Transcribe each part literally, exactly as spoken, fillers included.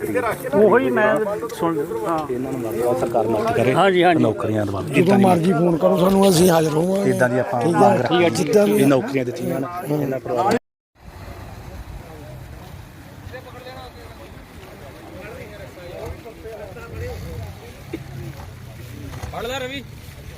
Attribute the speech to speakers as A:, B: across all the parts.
A: ਕਰੀਏ ਉਹੀ ਮੈਂ ਸੁਣ ਹਾਂ ਇਹਨਾਂ ਨੂੰ ਮਰਦਾ ਸਰਕਾਰ ਨੌਕਰੀ ਕਰੇ। ਹਾਂਜੀ ਹਾਂਜੀ ਨੌਕਰੀਆਂ ਦਵਾ
B: ਜਦੋਂ ਮਰਜ਼ੀ ਫੋਨ ਕਰੋ ਸਾਨੂੰ, ਅਸੀਂ ਹਾਜ਼ਰ ਹੋਵਾਂਗੇ।
A: ਇਦਾਂ ਦੀ ਆਪਾਂ ਮੰਗ ਰੱਖੀ ਜਿੱਦਾਂ ਵੀ ਨੌਕਰੀਆਂ ਦਿੱਤੀਆਂ ਨਾ ਇਹਨਾਂ ਪਰਿਵਾਰ
C: ਫੜ ਲੈ ਰਵੀ।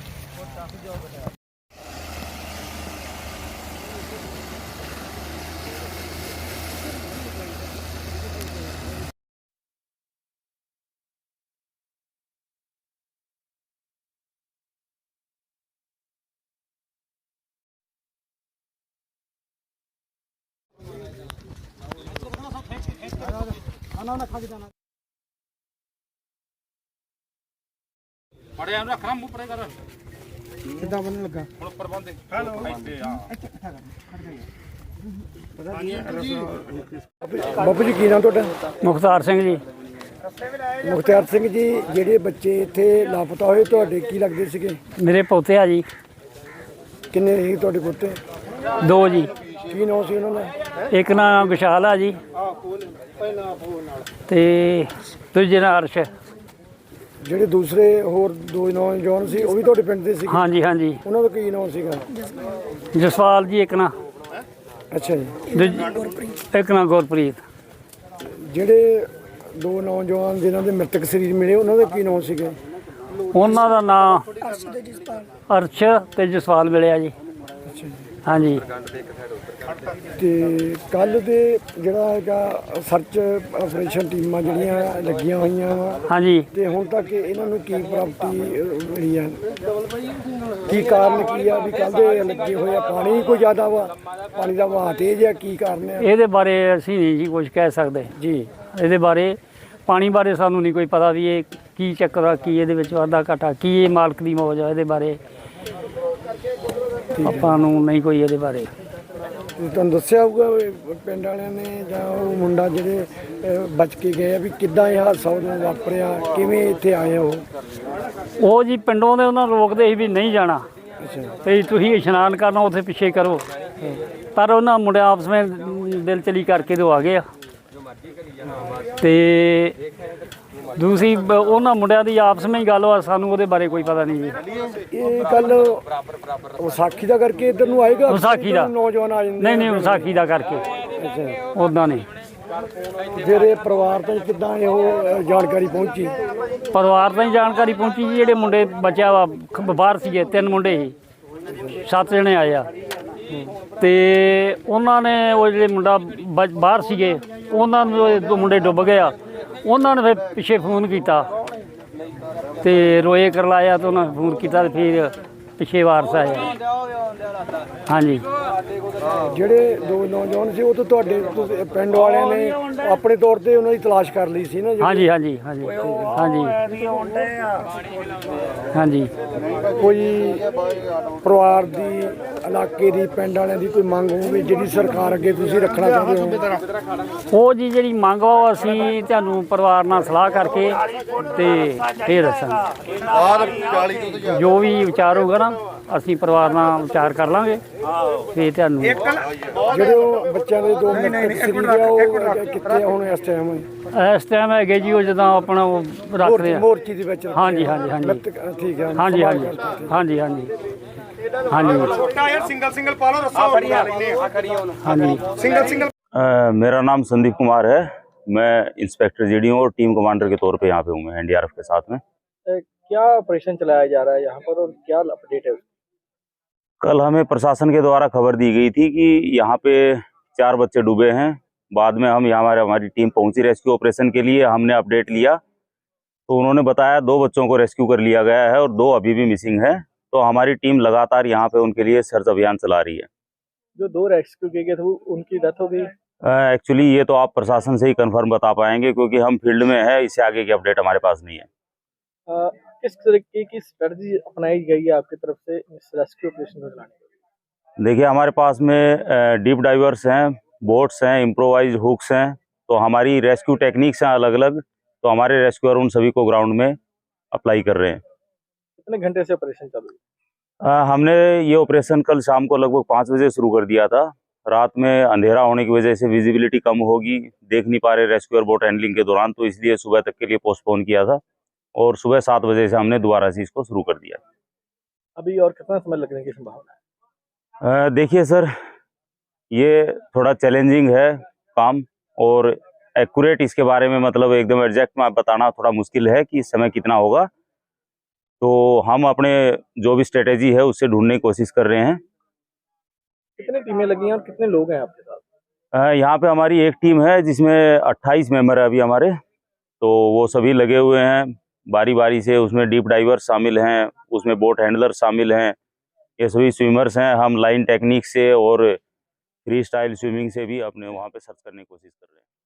C: बड़े हम रख रहा मुंह परे कर
B: ਕਿੱਦਾਂ ਬਣਨ ਲੱਗਾ?
C: ਹੁਣ ਉੱਪਰ ਬੰਦੇ ਹੈਲੋ ਇੱਥੇ ਆ
B: ਬਾਪੂ ਜੀ ਕੀ ਨਾਮ ਤੁਹਾਡਾ?
A: ਮੁਖਤਾਰ ਸਿੰਘ ਜੀ।
B: ਮੁਖਤਿਆਰ ਸਿੰਘ ਜੀ, ਜਿਹੜੇ ਬੱਚੇ ਇੱਥੇ ਲਾਪਤਾ ਹੋਏ ਤੁਹਾਡੇ ਕੀ ਲੱਗਦੇ ਸੀਗੇ?
A: ਮੇਰੇ ਪੋਤੇ ਆ ਜੀ,
B: ਕਿੰਨੇ ਸੀ ਤੁਹਾਡੇ ਪੁੱਤੇ?
A: ਦੋ ਜੀ।
B: ਕੀ ਨਾਮ ਸੀ ਉਹਨਾਂ ਦਾ?
A: ਇੱਕ ਨਾਂ ਵਿਸ਼ਾਲ ਆ ਜੀ ਤੇ ਦੂਜੇ ਨਾਂ ਅਰਸ਼।
B: ਜਿਹੜੇ ਦੂਸਰੇ ਹੋਰ ਦੋ ਨੌਜਵਾਨ ਸੀ ਉਹ ਵੀ ਤੁਹਾਡੇ ਪਿੰਡ ਦੇ ਸੀ?
A: ਹਾਂਜੀ ਹਾਂਜੀ।
B: ਉਹਨਾਂ ਦਾ ਕੀ ਨਾਮ ਸੀਗਾ?
A: ਜਸਵਾਲ ਜੀ ਇੱਕ ਨਾਂ,
B: ਅੱਛਾ ਜੀ।
A: ਦੂਜ- ਇੱਕ ਨਾਂ ਗੁਰਪ੍ਰੀਤ।
B: ਜਿਹੜੇ ਦੋ ਨੌਜਵਾਨ ਜਿਨ੍ਹਾਂ ਦੇ ਮ੍ਰਿਤਕ ਸਰੀਰ ਮਿਲੇ ਉਹਨਾਂ ਦੇ ਕੀ ਨਾਮ ਸੀਗੇ?
A: ਉਹਨਾਂ ਦਾ ਨਾਂ ਅਰਸ਼ ਤੇ ਜਸਵਾਲ ਮਿਲਿਆ ਜੀ।
B: ਅੱਛਾ ਜੀ।
A: ਹਾਂਜੀ।
B: ਤੇ ਕੱਲ ਦੇ ਜਿਹੜਾ ਹੈਗਾ ਸਰਚ ਆਪਰੇਸ਼ਨ ਟੀਮਾਂ ਜਿਹੜੀਆਂ ਲੱਗੀਆਂ ਹੋਈਆਂ ਵਾ,
A: ਹਾਂਜੀ।
B: ਤੇ ਹੁਣ ਤੱਕ ਇਹਨਾਂ ਨੂੰ ਕੀ ਪ੍ਰਾਪਤੀ ਮਿਲੀ ਆ? ਕੀ ਕਾਰਨ ਕੀ ਆ ਵੀ ਕੱਲ ਦੇ ਲੱਗੇ ਹੋਏ ਆ? ਪਾਣੀ ਕੋਈ ਜ਼ਿਆਦਾ ਵਾ, ਪਾਣੀ ਦਾ ਵਹਾਅ ਤੇਜ਼ ਆ, ਕੀ ਕਾਰਨ ਆ?
A: ਇਹਦੇ ਬਾਰੇ ਅਸੀਂ ਨਹੀਂ ਜੀ ਕੁਝ ਕਹਿ ਸਕਦੇ
B: ਜੀ।
A: ਇਹਦੇ ਬਾਰੇ ਪਾਣੀ ਬਾਰੇ ਸਾਨੂੰ ਨਹੀਂ ਕੋਈ ਪਤਾ ਵੀ ਇਹ ਕੀ ਚੱਕਰ ਆ, ਕੀ ਇਹਦੇ ਵਿੱਚ ਵਾਧਾ ਘਾਟਾ, ਕੀ ਇਹ ਮਾਲਕ ਦੀ ਮੌਜ ਆ। ਇਹਦੇ ਬਾਰੇ ਆਪਾਂ ਨੂੰ ਨਹੀਂ ਕੋਈ ਇਹਦੇ ਬਾਰੇ।
B: ਤੇ ਤੁਹਾਨੂੰ ਦੱਸਿਆ ਹੋਊਗਾ ਵੀ ਪਿੰਡ ਵਾਲਿਆਂ ਨੇ ਜਾਂ ਉਹ ਮੁੰਡਾ ਜਿਹੜੇ ਅਹ, ਬਚ ਕੇ ਗਏ ਆ ਵੀ ਕਿੱਦਾਂ ਇਹ ਹਾਦਸਾ ਉਦੋਂ ਵਾਪਰਿਆ, ਕਿਵੇਂ ਇੱਥੇ ਆਏ ਉਹ?
A: ਉਹ ਜੀ ਪਿੰਡੋਂ ਦੇ ਉਹਨਾਂ ਨੂੰ ਰੋਕਦੇ ਸੀ ਵੀ ਨਹੀਂ ਜਾਣਾ,
B: ਅੱਛਾ।
A: ਤੇ ਤੁਸੀਂ ਇਸ਼ਨਾਨ ਕਰਨਾ ਉੱਥੇ ਪਿੱਛੇ ਕਰੋ, ਪਰ ਉਹਨਾਂ ਮੁੰਡਿਆਂ ਆਪਸ ਵਿੱਚ ਦਿਲ ਚਲੀ ਕਰਕੇ ਦੋ ਆ ਗਏ ਆ। ਤੇ ਦੂਸਰੀ ਬ- ਉਹਨਾਂ ਮੁੰਡਿਆਂ ਦੀ ਆਪਸ ਵਿੱਚ ਗੱਲ ਵਾ, ਸਾਨੂੰ ਉਹਦੇ ਬਾਰੇ ਕੋਈ ਪਤਾ ਨਹੀਂ ਜੀ।
B: ਇਹ ਕੱਲ ਵਿਸਾਖੀ ਦਾ ਕਰਕੇ ਇੱਧਰ ਨੂੰ ਆਏਗਾ?
A: ਵਿਸਾਖੀ ਦਾ
B: ਨੌਜਵਾਨ ਆ ਜਾਂਦੇ?
A: ਨਹੀਂ ਨਹੀਂ ਵਿਸਾਖੀ ਦਾ ਕਰਕੇ
B: ਅੱਛਾ।
A: ਉੱਦਾਂ ਨਹੀਂ।
B: ਫਿਰ ਇਹ ਪਰਿਵਾਰ ਤੋਂ ਕਿੱਦਾਂ ਇਹ ਉਹ ਜਾਣਕਾਰੀ ਪਹੁੰਚੀ?
A: ਪਰਿਵਾਰ ਤੋਂ ਹੀ ਜਾਣਕਾਰੀ ਪਹੁੰਚੀ ਜੀ। ਜਿਹੜੇ ਮੁੰਡੇ ਬਚਿਆ ਵਾ ਖ- ਬਾਹਰ ਸੀਗੇ, ਤਿੰਨ ਮੁੰਡੇ ਸੀ, ਸੱਤ ਜਣੇ ਆਏ ਆ, ਤੇ ਉਹਨਾਂ ਨੇ ਉਹ ਜਿਹੜੇ ਮੁੰਡਾ ਬ- ਬਾਹਰ ਸੀਗੇ ਉਹਨਾਂ ਨੂੰ ਉਹ ਦੋ ਮੁੰਡੇ ਡੁੱਬ ਗਏ ਆ। ਉਹਨਾਂ ਨੇ ਫਿਰ ਪਿੱਛੇ ਫੋਨ ਕੀਤਾ ਤੇ ਰੋਏ ਕਰਲਾਇਆ, ਤੇ ਉਹਨਾਂ ਨੇ ਫੋਨ ਕੀਤਾ ਤੇ ਫਿਰ ਪਿੱਛੇ ਵਾਰਸ ਆਏ। ਹਾਂਜੀ।
B: ਜਿਹੜੇ ਦੋ ਨੌਜਵਾਨ ਸੀ ਉਹ ਤਾਂ ਤੁਹਾਡੇ ਤੁਸੀਂ ਪਿੰਡ ਵਾਲਿਆਂ ਨੇ ਆਪਣੇ ਤੌਰ ਤੇ ਉਹਨਾਂ ਦੀ ਤਲਾਸ਼ ਕਰ ਲਈ ਸੀ ਨਾ? ਜਿਹੜੀ-
A: ਹਾਂਜੀ ਹਾਂਜੀ ਹਾਂਜੀ ਹਾਂਜੀ ਹਾਂਜੀ।
B: ਕੋਈ ਪਰਿਵਾਰ ਦੀ, ਇਲਾਕੇ ਦੀ, ਪਿੰਡ ਵਾਲਿਆਂ ਦੀ ਕੋਈ ਮੰਗ ਹੋਵੇ ਜਿਹੜੀ ਸਰਕਾਰ ਅੱਗੇ ਤੁਸੀਂ ਰੱਖਣਾ ਚਾਹੁੰਦੇ ਹੋ?
A: ਉਹ ਜੀ ਜਿਹੜੀ ਮੰਗ ਆ ਉਹ ਅਸੀਂ ਤੁਹਾਨੂੰ ਪਰਿਵਾਰ ਨਾਲ ਸਲਾਹ ਕਰਕੇ ਤੇ ਫਿਰ ਦੱਸਾਂਗੇ। ਜੋ ਵੀ ਵਿਚਾਰ ਹੋਊਗਾ ਨਾ ਅਸੀਂ ਪਰਿਵਾਰ ਨਾਲ ਵਿਚਾਰ ਕਰ ਲਾਂਗੇ, ਫਿਰ ਤੁਹਾਨੂੰ।
B: ਜਿਹੜੇ ਉਹ ਬੱਚਿਆਂ ਦੇ ਦੋ ਮ੍ਰਿਤਕ ਸਰੀਰ ਆ ਉਹ ਕਿੱਥੇ ਹੁਣ ਇਸ ਟਾਈਮ?
A: ਇਸ ਟਾਈਮ ਹੈਗੇ ਜੀ ਉਹ ਜਦੋਂ ਆਪਣਾ ਉਹ ਰੱਖਦੇ ਆ।
B: ਮੋਰਚੀ ਦੇ ਵਿੱਚ ਰੱਖੇ
A: ਹਾਂਜੀ
B: ਆ।
A: ਹਾਂਜੀ ਹਾਂਜੀ
B: ਮ੍ਰਿਤਕ, ਠੀਕ ਹੈ।
A: ਹਾਂਜੀ ਹਾਂਜੀ ਹਾਂਜੀ ਹਾਂਜੀ ਹਾਂਜੀ
C: ਛੋਟਾ ਯਾਰ ਸਿੰਗਲ ਸਿੰਗਲ ਪਾ ਲਓ ਰੱਸਾ ਫੜੀ ਆ ਲੈਨੇ ਆ ਕਰੀ ਉਹਨੂੰ
A: ਹਾਂਜੀ।
C: Single single.
D: Uh, मेरा नाम संदीप कुमार है। मैं इंस्पेक्टर जीडी हूँ और टीम कमांडर के तौर पे यहाँ पे हूँ मैं एनडीआरएफ के साथ में।
E: क्या ऑपरेशन चलाया जा रहा है यहाँ पर और क्या अपडेट है?
D: कल हमें प्रशासन के द्वारा खबर दी गई थी कि यहाँ पे चार बच्चे डूबे हैं। बाद में हम यहाँ हमारे हमारी टीम पहुंची रेस्क्यू ऑपरेशन के लिए। हमने अपडेट लिया तो उन्होंने बताया दो बच्चों को रेस्क्यू कर लिया गया है और दो अभी भी मिसिंग है। तो हमारी टीम लगातार यहाँ पे उनके लिए सर्च अभियान चला रही है।
E: जो दो रेस्क्यू किए गए थे वो उनकी डेथ हो गई?
D: एक्चुअली uh, ये तो आप प्रशासन से ही कंफर्म बता पाएंगे क्योंकि हम फील्ड में है, इससे आगे की अपडेट हमारे पास नहीं है।
E: आ, किस तरीके की स्ट्रेटजी अपनाई गई है आपकी तरफ से इस रेस्क्यू ऑपरेशन को चलाने के?
D: देखिए हमारे पास में डीप डाइवर्स हैं, बोट्स हैं, इम्प्रोवाइज हुक्स हैं। तो हमारी रेस्क्यू टेक्निक्स हैं अलग अलग। तो हमारे रेस्क्यूअर उन सभी को ग्राउंड में अप्लाई कर रहे हैं।
E: कितने घंटे से ऑपरेशन चालू है?
D: आ, हमने ये ऑपरेशन कल शाम को लगभग पाँच बजे शुरू कर दिया था रात में अंधेरा होने की वजह से विजिबिलिटी कम होगी, देख नहीं पा रहे रेस्क्यू और बोट हैंडलिंग के दौरान, तो इसलिए सुबह तक के लिए पोस्टपोन किया था और सुबह सात बजे से हमने दोबारा से इसको शुरू कर दिया।
E: अभी और कितना समय लगने की संभावना है?
D: अ, देखिए सर, ये थोड़ा चैलेंजिंग है काम, और एक्यूरेट इसके बारे में मतलब एकदम एग्जैक्ट में बताना थोड़ा मुश्किल है कि इस समय कितना होगा। तो हम अपने जो भी स्ट्रेटेजी है उससे ढूंढने की कोशिश कर रहे हैं।
E: कितनी टीमें लगी हैं और कितने लोग हैं आपके साथ?
D: अ, यहाँ पे हमारी एक टीम है जिसमें अट्ठाईस मेंबर है अभी हमारे, तो वो सभी लगे हुए हैं बारी बारी से। उसमें डीप डाइवर शामिल हैं, उसमें बोट हैंडलर शामिल हैं, ये सभी स्विमर्स हैं। हम लाइन टेक्निक से और फ्री स्टाइल स्विमिंग से भी अपने वहाँ पे सर्च करने की कोशिश कर रहे हैं।